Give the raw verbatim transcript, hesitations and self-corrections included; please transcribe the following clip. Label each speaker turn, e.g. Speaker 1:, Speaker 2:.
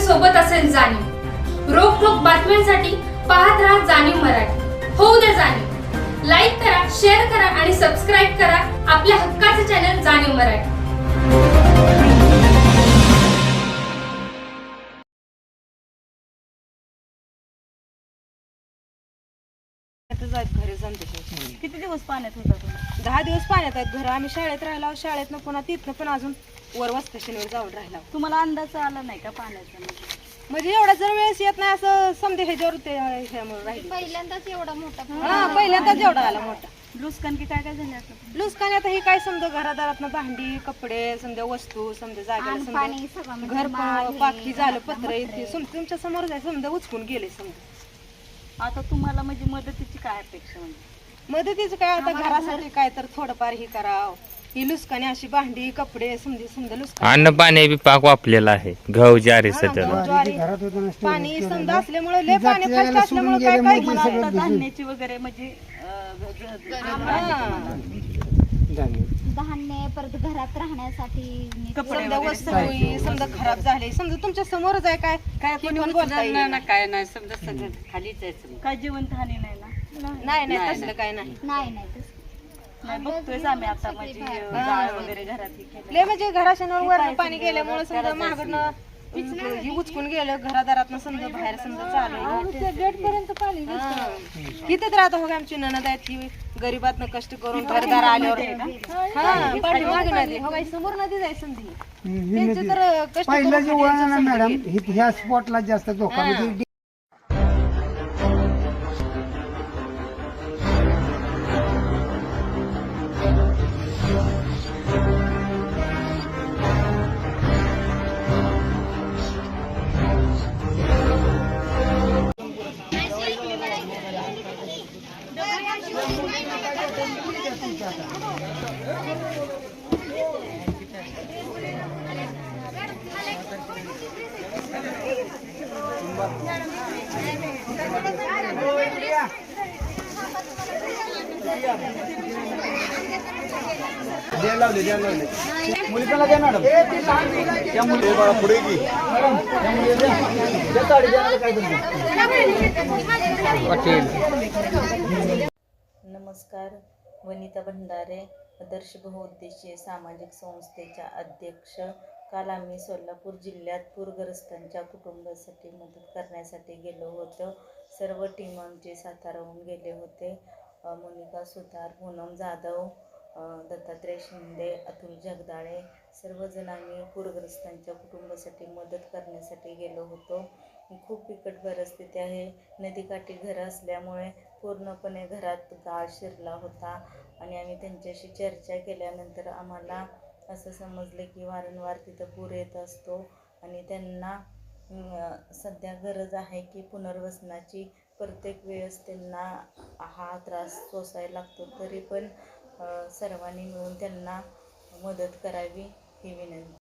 Speaker 1: सोबत असेल जाणीव। रोखोक बातम्यांसाठी पाहत राहा जाणीव मराठी। होऊ द्या जाणीव। लाईक करा, शेअर करा आणि सबस्क्राईब करा आपल्या हक्काचे चॅनल जाणीव मराठी।
Speaker 2: घरी जमते किती दिवस पाण्यात होता तुम्ही? दहा दिवस पाण्यात आहेत घर। आम्ही शाळेत राहिलो, शाळेतनं पुन्हा तिथनं पण अजून वर वस्टेशनवर जाऊन राहिला।
Speaker 3: तुम्हाला अंदाज आला नाही का पाण्याचा?
Speaker 2: म्हणजे एवढा जर वेळेस येत नाही असं समजे ह्याच्यावर ते ह्यामुळे राहिले।
Speaker 4: पहिल्यांदाच एवढा मोठा
Speaker 2: हा पहिल्यांदाच एवढा आला मोठा।
Speaker 3: नुकसान की काय काय झालं आता?
Speaker 2: नुकसान आता हे काय समजा घरादारातनं भांडी कपडे समजा वस्तू समजा जागा
Speaker 4: पाणी
Speaker 2: समजा
Speaker 4: सगळं
Speaker 2: घर पण पाकी झालं पत्र इथे समजा तुमच्या समोर जाय समजा उचकून गेले समजा।
Speaker 3: आता तुम्हाला म्हणजे मदतीची काय अपेक्षा? म्हणजे
Speaker 2: मदतीचं काय आता घरासाठी काय तर थोडंफार ही करावं। ही लुसकाने अशी भांडी कपडे समजे समजा लुसकान
Speaker 5: अन्न पाणी बी पाक वापलेला आहे, गहू ज्वारी सध्याला
Speaker 2: पाणी समजा असल्यामुळे लय पाणी फास्ट असल्यामुळे काय काय
Speaker 3: तुम्हाला आता धान्याची वगैरे म्हणजे अं, ग- ग-
Speaker 4: धान्य परत घरात राहण्यासाठी
Speaker 3: कपडे
Speaker 2: समजा वस्तू समजा खराब झाले समजा तुमच्या समोरच आहे काय काय कोणी पण बोलता येईल ना।
Speaker 6: काय नाही समजा सगळं खालीच आहे समजा.
Speaker 3: काय जिवंत हानी नाही ना?
Speaker 2: नाही नाही तसलं काय नाही।
Speaker 4: नाही नाही तसं.
Speaker 3: नाही बघतोय आम्ही आता म्हणजे जाळ वगैरे घरात हे केलं.
Speaker 2: लय म्हणजे घराच्या वर पाणी गेल्यामुळे समजा महागडनं ही उचकून गेलं घरादारात समजा बाहेर समजा चालू गेट पर्यंत पाणी इथंच राहतो हो आमची ननद आहेत की गरीबातनं कष्ट करून घरदार आल्यावर हा पाठीमागे नदी हो बाई समोर नदी जाय समजी त्यांचे तर कष्ट
Speaker 7: पहिलं जे वळण आहे
Speaker 2: करून
Speaker 7: मॅडम हि- ह्या स्पॉटला जास्त धोका म्हणजे लावले द्या लावले मुलीला द्या मॅडम त्या मुली पुढे की मॅडम त्या मुली द्या साडी द्या काय पाटील।
Speaker 8: नमस्कार, वनिता भंडारे, आदर्श बहुउद्देशीय सामाजिक संस्थेच्या अध्यक्ष। काल आम्ही सोलापूर जिल्ह्यात पूरग्रस्तांच्या कुटुंबासाठी मदत करण्यासाठी गेलो होतो। सर्व टीम आमचे साताराहून गेले होते। मोनिका सुतार, पूनम जाधव, दत्तात्रय शिंदे, अतुल जगदाळे सर्वजण आम्ही पूरग्रस्तांच्या कुटुंबासाठी मदत करण्यासाठी गेलो होतो। खूप बिकट परिस्थिती आहे। नदीकाठी घरं असल्यामुळे पूर्णपणे घरात गाळ शिरला होता आणि आम्ही त्यांच्याशी चर्चा केल्यानंतर आम्हाला असं समजलं की वारंवार तिथं पूर येत असतो आणि त्यांना सध्या गरज आहे की पुनर्वसनाची। प्रत्येक वेळेस त्यांना हा त्रास सोसायला लागतो, तरी पण सर्वांनी मिळून त्यांना मदत करावी ही विनंती।